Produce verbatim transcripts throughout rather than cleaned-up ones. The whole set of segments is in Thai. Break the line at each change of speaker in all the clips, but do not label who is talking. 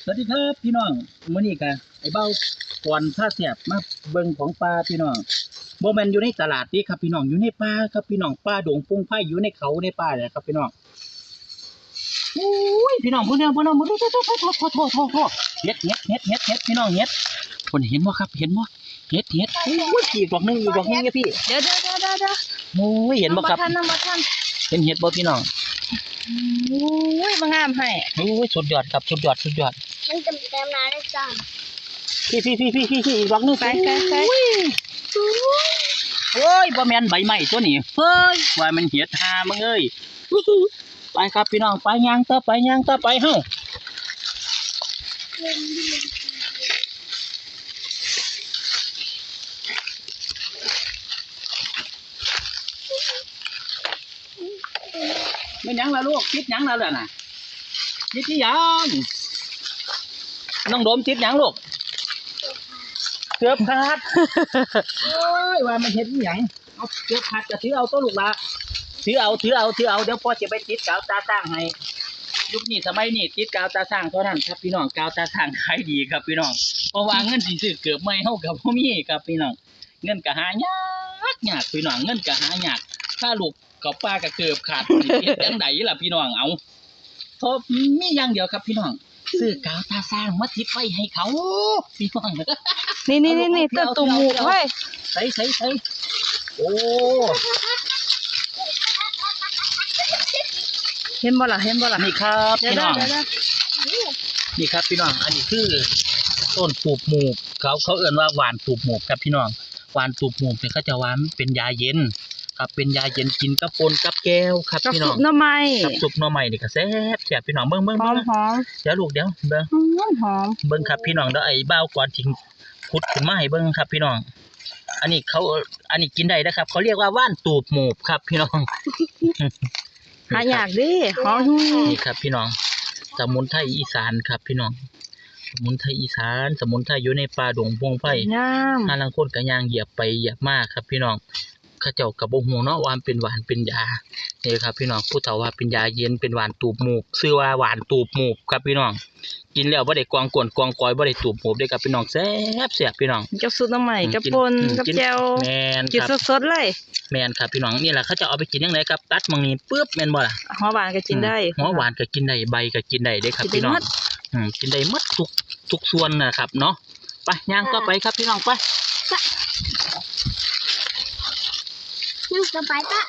วัสดีครับพี่น้องมื้อนี้ก็ไอ้เบ้าก่อนผ้าแสบมาเบิ่งของปลาพี่น้องบ่แม่นอยู่ในตลาดนี่ครับพี่น้องอยู่ในป่าครับพี่น้องป่าดงปุงไผ่อยู่ในเขาในป่าเนี่ยครับพี่น้องโอ้ยพี่น้องพุ่นเด้อพุ่นเด้อพุ่นเด้อโทษโทษโทษโทษโทษโทษเฮ็ดเฮ็ดเฮ็ดเฮ็ดเฮ็ดพี่น้องเฮ็ดพุ่นเห็นบ่ครับเห็นบ่เฮ็ดเฮ็ดโอ้ยอีกดอกนึงอีกดอกนึงเนี่ยพี่
เดี๋ยวเดี๋ยวเดี๋ยวเดี๋ยว
โอ้ยเห็นบ่ครับ
น้ำบ่ทัน
เห็นเฮ็ดบ่พี่น้อง
โอ้ยมางามให้
โอ้ยสุดยอดครับสุดยอดสุดยอด
มันจะเต็มน้ำได้จ้า
พี่พี่พี่พี่พี่พี่อีกดอกนึง
ไปไปไป
โอ้ยบ่แม่นใบไม้ตัวนี้เฮ้ยว่ามันเหียดหามึงเอ้ยไปครับพี่น้องไปย่างต่อไปย่างต่อไปเฮาไม่ยังละลูกติดยังละล่ะน่ะติดที่ยังน้องโดมติดยังลูกเกือบขาดโอ้ยว่ามันเห็นหยังเอาเกือบขาดจะถือเอาตัวลูกละถือเอาถือเอาถือเอาเดี๋ยวพ่อจะไปติดกาวตาสร้างให้ยุคนี้สมัยนี้ติดกาวตาสร้างเท่านั้นครับพี่น้องกาวตาสร้างขายดีครับพี่น้องเพราะว่าเงินสิซื้อเกือบไม่เท่ากับพ่อมีครับพี่น้องเงินก็หายากยากพี่น้องเงินก็หายากถ้าลูกกับป้าก็เกือบขาดสิเฮ็ดจังไดล่ะพี่น้องเอาเพราะมีอย่างเดียวครับพี่น้องซื้อกาวตาสร้างมาติดไว้ให้เขาพี่น้อง
นี่นี่นี่นี่ต้นตุ่มหมูเว้ย
ใส่ใส่ใส่โอ้
เห็นบ่ล่ะเห็นบ่ล่ะ
นี่ครับพี่น้องนี่ครับพี่น้องอันนี้คือต้นตูบหมูกเขาเขาเอ่นว่าหวานตูบหมูกครับพี่น้องหวานตูบหมูกเนี่ยเขาจะหวานเป็นยาเย็นครับเป็นยาเย็นกินกับปนกับแก้วครับพี่น้อง
กับซุปหน่อไม้
กับซุปหน่อไม้นี่ก็แซ่บแซ่บพี่น้องเบิ่งเบิ่ง
หอมหอม
เดี๋ยวลูกเดี๋ยวเบิ่ง
หอมหอม
เบิ่งครับพี่น้องเดี๋ยวไอ้บ้าวก่อนทิ้งขุดขึ้นมาให้เบิ่งครับพี่น้องอันนี้เขาอันนี้กินได้นะครับเขาเรียกว่าว่านตูบหมูครับพี่น้อง
หายากดิหอม
นี่ครับพี่น้องสมุนไพรอีสานครับพี่น้องสมุนไพรอีสานสมุนไพรอยู่ในป่าดงพงไผ่
งาม
ถ้าลังคนก็ย่างเหยียบไปเหยียบมาครับพี่น้องข้าเจ้ากับบ่ฮู้เนาะว่ามันเป็นหวานเป็นยานี่ครับพี่น้องผู้เฒ่าว่าเป็นยาเย็นเป็นหวานตูบหมูกชื่อว่าหวานตูบหมูกครับพี่น้องกินแล้วบ่ได้กวางกวนกวางกอยบ่ได้ตูบหมูกได้ครับพี่น้องแซ่บแซ่บพี่น้อง
กับซุปหน่อไม้กับป่นกับแจ่ว
แม่น
กินสดๆเลย
แม่นครับพี่น้องนี่แหละเขาจะเอาไปกินจังไดครับตัดมังนี้ปึ๊บแม่นบ่ล่ะ
หัวหวานก็กินได้
หัวหวานก็กินได้ใบก็กินได้เด้ครับพี่น้องอืมกินได้หมดทุกทุกส่วนนะครับเนาะไปย่างต่อไปครับพี่น้องไป
นี่จะไปปะ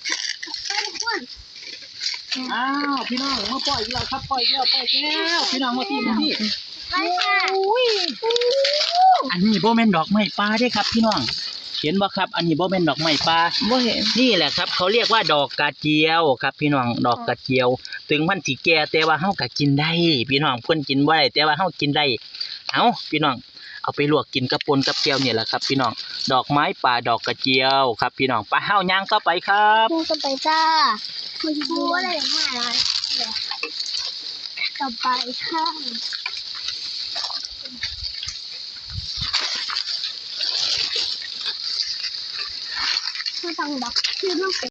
อ้าวพี่น้องมาปล่อยแล้วครับปล่อยแล้วปล่อยแล้วพี่น้องมาที่มาที่
ไปค่ะ
อันนี้โบแมนดอกไม้ปลาได้ครับพี่น้องเห็นบ่ครับอันนี้โบแมนดอกไม้ปลา
บ่เห็น
นี่แหละครับเขาเรียกว่าดอกกระเจียวครับพี่น้องดอกกระเจียวถึงมันสิแก่แต่ว่าเฮาก็กินได้พี่น้องเพิ่นกินบ่ได้แต่ว่าเฮากินได้เอ้าพี่น้องเอาไปลวกกินกับปนกับแก้วเนี่ยแหละครับพี่น้องดอกไม้ป่าดอกกระเจียวครับพี่น้องไปเฮาย่างเข้าไปครับ
นี่จะไปจ้าคุณครูอะไรอย่างเงี้ยต่อไปค่ะไม่ต้องดักคือต้อง